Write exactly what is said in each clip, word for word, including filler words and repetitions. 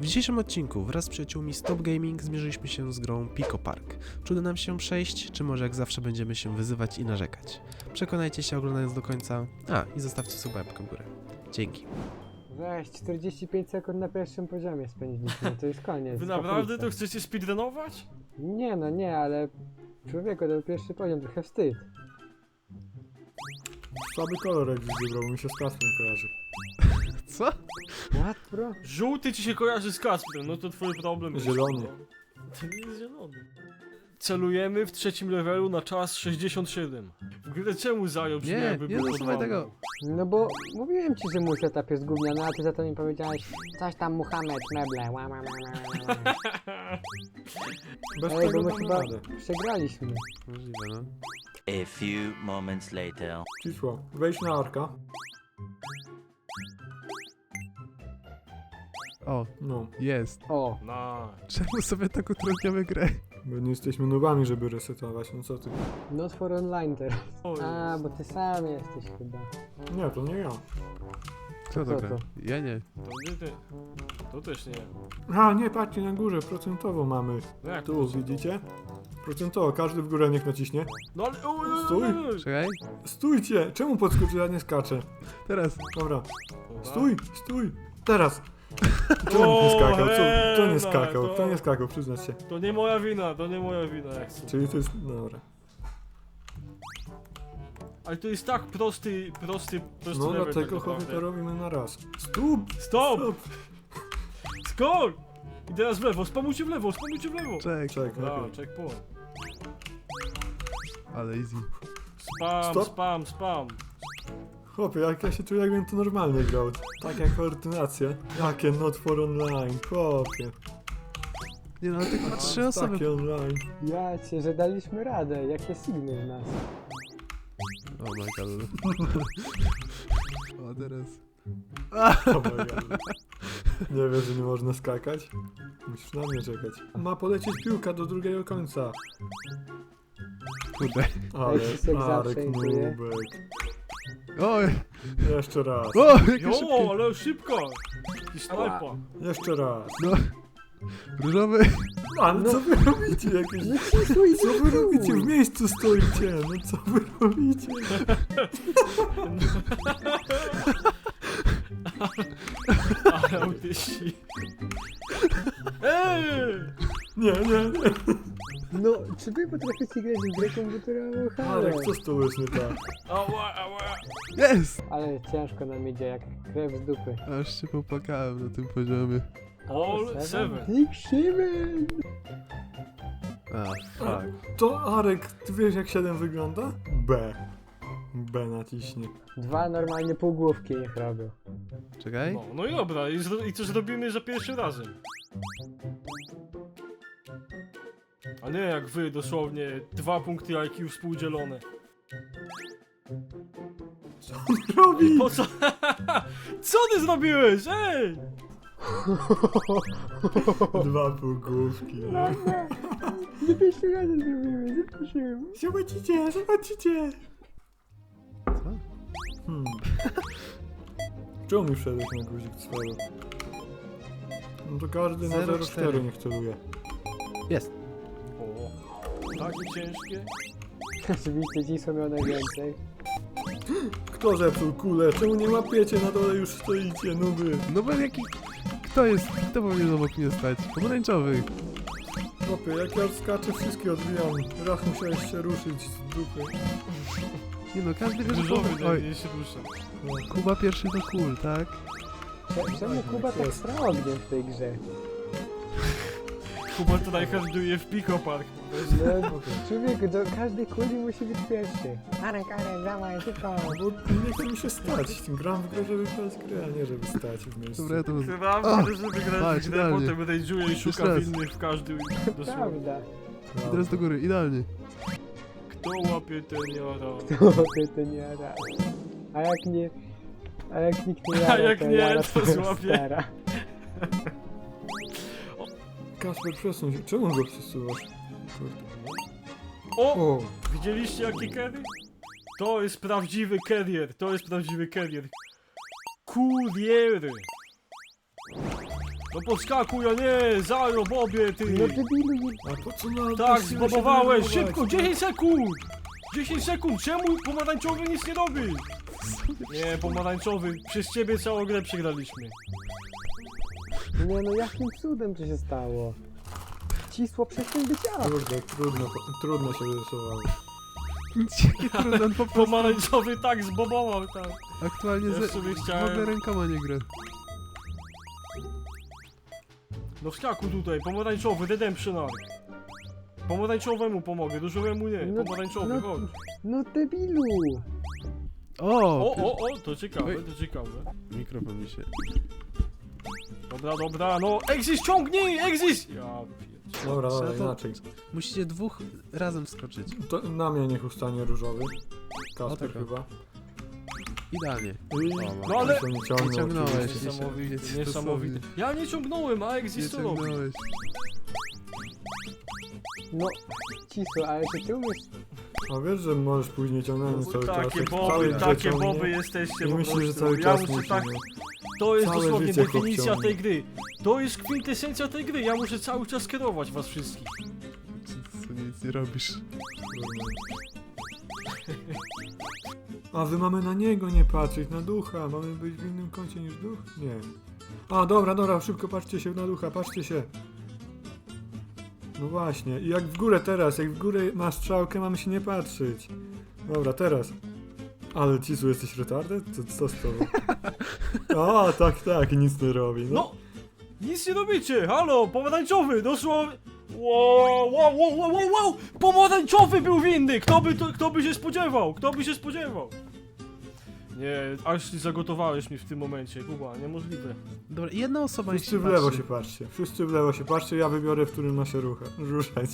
W dzisiejszym odcinku wraz z przyjaciółmi Stop Gaming zmierzyliśmy się z grą Pico Park. Czy uda nam się przejść, czy może jak zawsze będziemy się wyzywać i narzekać? Przekonajcie się oglądając do końca, a i zostawcie suba łapkę w górę. Dzięki. Weź, czterdzieści pięć sekund na pierwszym poziomie spędziliśmy, to jest koniec. Wy naprawdę to kaplica. chcecie speedrunować? Nie no, nie, ale... Człowieku, to był pierwszy poziom, trochę wstyd. Słaby kolor jak wybrał, mi się z Kasprem kojarzy. Co? What, bro? Żółty ci się kojarzy z Kasprem, no to twój problem. Zielony. To nie jest zielony. Celujemy w trzecim levelu na czas sześćdziesiąt siedem. W ogóle czemu zajął brzmi Nie, jakby nie był zasuwaj pod tego. No bo mówiłem ci, że mój setup jest gówniany, a ty za to mi powiedziałeś coś tam Muhammad, meble, ła, ła, ła, ła, ła. Bez Ej, bo tego my damy chyba radę. przegraliśmy. Możliwe, no. A few moments later. Cisło, wejdź na arka. O, No, jest. O, No. Czemu sobie tak utrudniamy grę? bo nie jesteśmy nubami, żeby resetować, no co ty? not for online teraz. O, A, bo ty sam jesteś chyba. Nie, to nie ja. Kto to Co gra? to? Ja nie. To nie ty. To też nie. A, nie, patrzcie na górze, procentowo mamy. No jak Tu, to? widzicie? Procentowo, każdy w górę niech naciśnie. No ale... O, o, o, Stój. o, o. Czekaj. Stójcie! Czemu podskoczy, ja nie skaczę? Teraz. Dobra, Dobra. stój, stój! Teraz! Czemu nie skakał? Co? To nie Hena, skakał, to- to nie skakał, przyznać się. To nie moja wina, to nie moja wina jak chcę. Czyli to jest, dobra. Ale to jest tak prosty, prosty, prosty No level dlatego tak chłopie naprawdę. to robimy na raz. Stóp! Stop! Stop! Skok! I teraz w lewo, spamujcie w lewo, spamujcie w lewo! Czek. Czek, Dobra, lepiej. checkpoint. Ale easy. Spam, Stop. spam, spam. Chłopie, jak ja się czuję, jakbym to normalnie grał. Tak jak ordynacja. Jakie not for online, chłopie. Nie no, ale tylko trzy osoby. Takie online. Ja cię, że daliśmy radę, jakie signy z nas. O my god. O, teraz. Oh my God. Nie wiesz, że nie można skakać? Musisz na mnie czekać. Ma polecieć piłka do drugiego końca. Kurde. Ale Krzysiek zawsze Arek inkuje. nubek. Oj. Jeszcze raz. O, jakie Jo, szybkie. ale szybko! I snajpa. Jeszcze raz. No. Różowy. Ale No. co wy robicie? Jakieś... No cisło i Co wy robicie? W miejscu stoicie. No co wy robicie? Ale autyści. Ej! Nie, nie, nie. No, czy wy potraficie grać w grę komputerową? Halo. Arek, co z tobą jest nie tak? Ała, ała. Jest! Ale ciężko nam idzie, jak krew z dupy. Aż się popłakałem na tym poziomie. All seven. Big Seven! A, fuck. To Arek, ty wiesz jak siedem wygląda? B. B naciśnie. Dwa normalnie półgłówki niech robią. Czekaj. No, no i dobra, i, zro i co zrobimy za pierwszym razem? A nie jak wy, dosłownie dwa punkty I Q współdzielone. Robi! Po co? Co ty zrobiłeś? Ej! Dwa półgłówki. Nie pierwszy raz zrobimy, zaprosiłem. Zobaczycie, zobaczycie! Co? Hmm. Czemu mi wszedłeś na guzik swego? No to każdy na zero zero cztery. cztery niech celuje. Jest. O, takie ciężkie. Oczywiście ci są miał najwięcej. Kto zepsuł kulę? Czemu nie łapiecie? Na dole już stoicie, nuby. No bo jaki... Kto jest... Kto powinien obok mnie stać? Pomarańczowy. Chłopie, jak ja skaczę, wszystkie odbijam. Raz musiałeś się ruszyć z dupy. Nie no, każdy wie, że... Różowy Oj, nie się rusza. No. Kuba pierwszy to cool, tak? Cze- Czemu Kuba tak jest. stra ogniem w tej grze? Kuba to najhandluje w Pico Park. No, człowieku, do każdej kuli musi być pierwszy. Arek, Arek, dawaj, szybko. Bo nie chce mi się stać. Gram w grę, żeby grać grę, a nie żeby stać w miejscu. Dobra, ja to... Chyba, O! żeby grać Patrz, w grę, idealnie. potem rage'uje i Jeszcze szuka raz. winnych w każdym dosłownie. Prawda. No. Teraz do góry, idealnie. Kto łapie ten jara? To ty to nie jara. A jak nie... A jak nikt nie jara, A jak to nie, jara to twoja złapie. stara. Kasper, przesuń się. Czemu go przesuwasz? Kurde. O! O! Widzieliście jaki carry? To jest prawdziwy carrier, to jest prawdziwy carrier. Kurier! No podskakuj, a nie, zajo, bobie, ty. No debilu, nie... A po co na Tak, bez siły się zbobowałeś, denerwować? szybko, dziesięć sekund! dziesięć sekund, czemu pomarańczowy nic nie robi? Nie, pomarańczowy, przez ciebie całą grę przegraliśmy. Nie no, jakim cudem to się stało? Cisło przestań być ja. Kurde, trudno, trudno się wyrysowało. Jakie trudne, on po prostu Pomarańczowy tak zbobował, tak. aktualnie Ja ze... sobie w chciałem- ogóle rękoma nie gra. No wskakuj tutaj, pomarańczowy, redemption arc. Pomarańczowemu pomogę, dużowemu nie, No- pomarańczowy, no- chodź. No debilu. O! O, o, o, to ciekawe, Oj. to ciekawe. Mikrofon mi się... Dobra, dobra, no, exis ciągnij, exis! Ja pierdzie- Dobra, Trzeba dobra, to- inaczej. Musicie dwóch razem wskoczyć. To na mnie niech ustanie różowy. O, Kasper taka. chyba. Idealnie. I No ale- się nie ciągnął, Nie ciągnąłeś. oczywiście. Niesamowite, Wiecie, niesamowite. Ja nie ciągnąłem, a Nie exis to robi. ciągnąłeś. No, cisło, ale czy ty umiesz... A wiesz, że możesz później ciągnąć cały czas. Takie jak boby, całe życie takie ciągnie boby jesteście I po myślisz, że prostu. cały Ja czas muszę musi, tak, nie? to jest Całe dosłownie życie chłop definicja ciągnie. tej gry. To jest kwintesencja tej gry, ja muszę cały czas kierować was wszystkich. Co nic nie robisz. A wy mamy na niego nie patrzeć, na ducha. Mamy być w innym kącie niż duch? Nie. A dobra, dobra, szybko patrzcie się na ducha, patrzcie się. No właśnie, i jak w górę teraz, jak w górę masz strzałkę, mamy się nie patrzeć. Dobra, teraz. Ale Cisu, jesteś retarded? Co, co z tobą? A, tak, tak, nic nie robi. No. No! Nic nie robicie, halo, pomarańczowy, dosłownie... Wow, wow, wow, wow, wow, wow! Pomarańczowy był winny! Kto by, to, kto by się spodziewał? Kto by się spodziewał? Nie, aż ty zagotowałeś mi w tym momencie, Kuba, niemożliwe. Dobra, jedna osoba niech Wszyscy się w lewo patrzy. się patrzcie. Wszyscy w lewo się patrzcie, ja wybiorę, w którym ma się rucha, ruszać.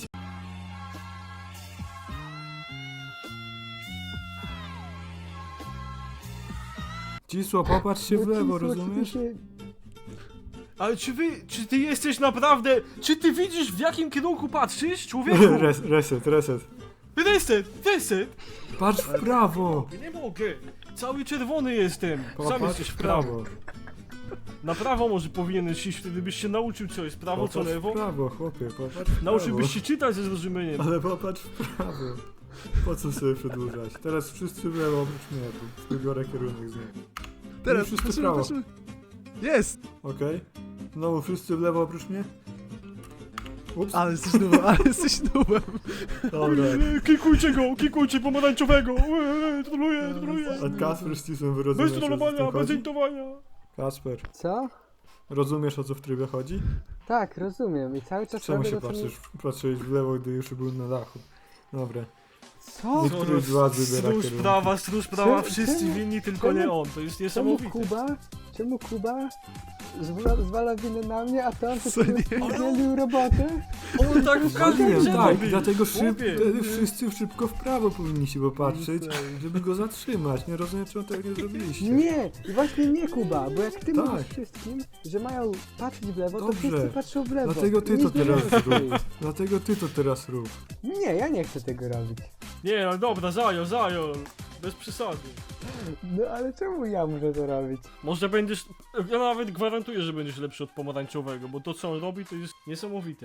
Cisło, popatrz się w No, lewo, cisło, czy ty rozumiesz? się- Ale czy wy, czy ty jesteś naprawdę, czy ty widzisz w jakim kierunku patrzysz, człowieku? Res, reset, reset. Reset, reset! Patrz w prawo! Nie mogę, cały czerwony jestem, sam Popatrz jesteś w prawo. Na prawo może powinieneś iść, wtedy byś się nauczył co jest prawo, co Popatrz w lewo. prawo, chłopie, popatrz w prawo. Nauczyłbyś się czytać ze zrozumieniem. Ale popatrz w prawo. Po co sobie przedłużać? Teraz wszyscy w lewo oprócz mnie, tu wybiorę kierunek z niej. Teraz wszyscy w patrzymy, prawo. patrzymy. Jest! Okej? Znowu wszyscy w lewo oprócz mnie? Ups, Ale jesteś nubem, ale jesteś nubem. dobra. Eee, Kikujcie go, kikujcie pomarańczowego. Eee, Troluję, troluję. A Kasper z Cisem wyrozumiesz, Bez o co w tym trollowania, bez chodzi? intowania. Kasper, Co? rozumiesz, o co w trybie chodzi? Tak, rozumiem i cały czas Czemu robię się to, co mi... patrzysz, patrzyłeś w lewo, gdy już był na dachu? Dobra. Co? Nie- Któryś z was wybiera Stróż kierunek. prawa, stróż prawa, Czemu- wszyscy czemu- winni, tylko czemu- nie on. To jest Czemu niesamowite. Kuba? Czemu Kuba zwala, zwala winę na mnie, a to on Co nie? udzielił robotę? On tak w każdym Wiem, grze tak, robi. dlatego szyb, Chłopie. wtedy wszyscy szybko w prawo powinniście popatrzeć, żeby go zatrzymać. Nie rozumiem, czemu tego nie zrobiliście. Nie, właśnie nie Kuba, bo jak ty Tak. mówisz wszystkim, że mają patrzeć w lewo, to Dobrze. wszyscy patrzą w lewo. Dlatego ty Nic to nie teraz robisz. rób. Dlatego ty to teraz rób. Nie, ja nie chcę tego robić. Nie, no dobra, zajo, zajo. Bez przesady. No ale czemu ja muszę to robić? Może będziesz, ja nawet gwarantuję, że będziesz lepszy od pomarańczowego, bo to co on robi to jest niesamowite.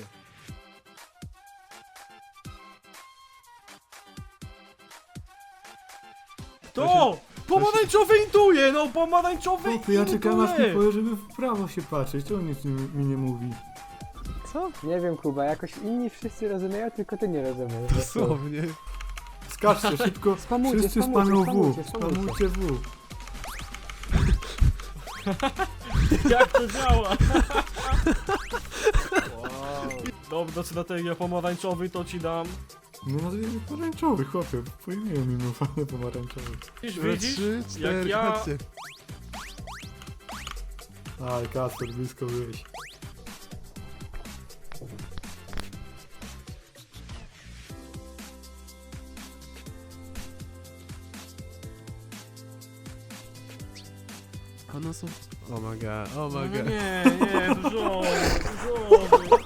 Kto? Pomarańczowy intuje, no pomarańczowy Chłopie, ja czekam aż mi intuje. powie, żeby w prawo się patrzeć. Czemu nic mi, mi nie mówi? Co? Nie wiem Kuba, jakoś inni wszyscy rozumieją, tylko ty nie rozumiesz. Dosłownie. Skaczcie szybko. Spamujcie, Wszyscy spamujcie, spamują spamujcie, W. spamujcie. Spamujcie W. Jak to działa? Wow. Dobra, strategia pomarańczowy to ci dam. Nie nazwijmy pomarańczowy, chłopie. Po imieniu mi mówię pomarańczowy. Widzisz, Dobra, widzisz? Trzy, cztery, ja- chodźcie. Aj, Kasper, blisko byłeś. One są... Oh my god, oh No my nie, god. nie, nie, dużo, dużo.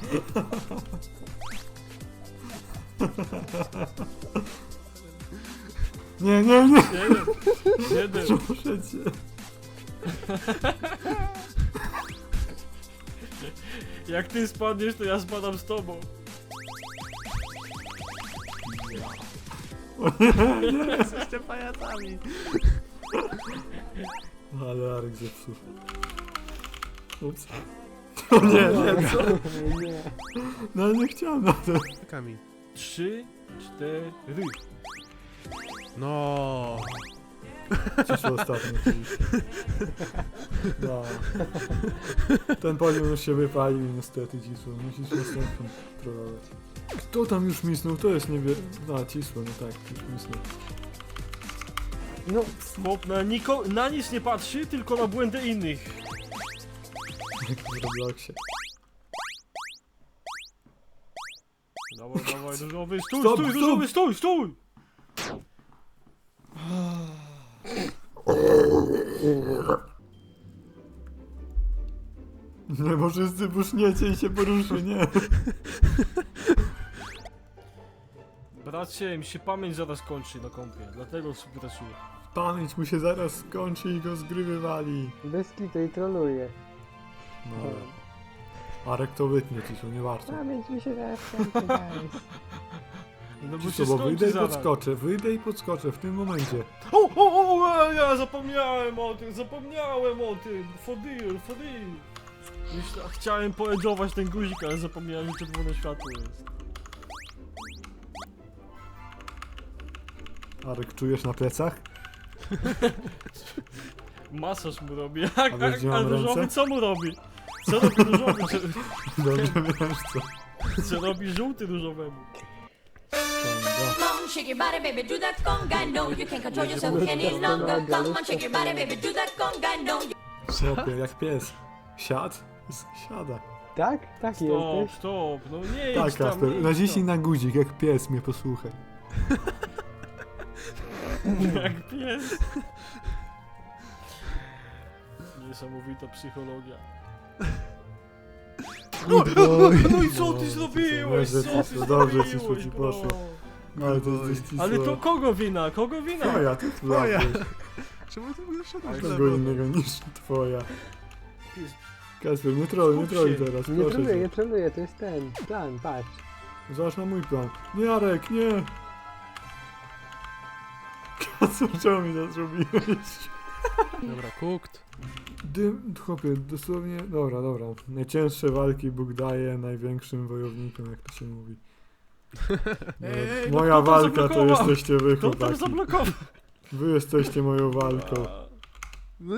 Nie, nie, nie! Jeden, jeden. Proszę cię. Jak ty spadniesz, to ja spadam z tobą. Jesteście pajacami. Ale Arek zepsuł. Ups. O nie, nie, co? Nie. No nie chciałem na to. Kami. Trzy, cztery. No. Cisło ostatnio. No. Ten poziom już się wypalił niestety, Cisło. Musisz następny trollować. Kto tam już misnął? To jest nie wie... A, Cisło, no tak, już misnął. No, Chłop na, niko, na nic nie patrzy, tylko na błędy innych. Jak w Robloxie. Dawaj, dawaj, różowy, stój, Stop, stój, stop. różowy, stój, stój! Nie, bo wszyscy buszniecie i się poruszy, nie. Bracie, mi się pamięć zaraz kończy na kompie, dlatego współpracuję. Pamięć mu się zaraz skończy i go z gry wywali. bez kitu i troluje. No. Arek to wytnie, Cisło, nie warto. Pamięć mi się zaraz kończy, guys. No bo się Cisło, bo wyjdę skończy i zaraz. podskoczę, wyjdę i podskoczę w tym momencie. O, o, o, e, ja zapomniałem o tym, zapomniałem o tym, for deal, for deal. Myśla, chciałem poedżować ten guzik, ale zapomniałem, że czerwone światło jest. Arek, czujesz na plecach? Masaż mu robi, A jak, wiesz, jak, gdzie a mam różowy ręce? co mu robi? Co robi różowy? Co, Dobrze wiesz co. co robi żółty różowemu? Konga. Come on, shake your body, baby, do that conga. No, you can't control yourself any longer. Come on, shake your body, baby, do that conga. No, you Chłopie, jak pies. Siad? S- Siada. Tak? Tak Stop, jesteś? stop, no nie Tak, idź tam, Kasper, nie idź naciśnij tam. na guzik, jak pies, mnie posłuchaj. Jak pies. Niesamowita psychologia. No, no i co ty No, zrobiłeś? dobrze, Co ty Cisło, dobrze, Cisło zrobiłeś, ci bro? poszło. Ale to jest cisło. Ale to kogo wina? Kogo wina? Twoja, ty Twoja. twoja. Czemu ty mnie wszedłeś Kogo innego niż twoja. Pies- Kasper, nie troluj, nie Skup troluj się. teraz, Nie proszę troluję, nie cię. troluję, to jest ten plan, patrz. Zobacz na mój plan. Nie, Arek, nie! Kasper, czemu mi to zrobiłeś? Dobra, cooked. Dym, chłopie, dosłownie... Dobra, dobra. Najcięższe walki Bóg daje największym wojownikom, jak to się mówi. Ej, ej, no Moja kto tam walka to zablokował? jesteście wy, Kto tam chłopaki. zablokował? Wy jesteście moją walką. A,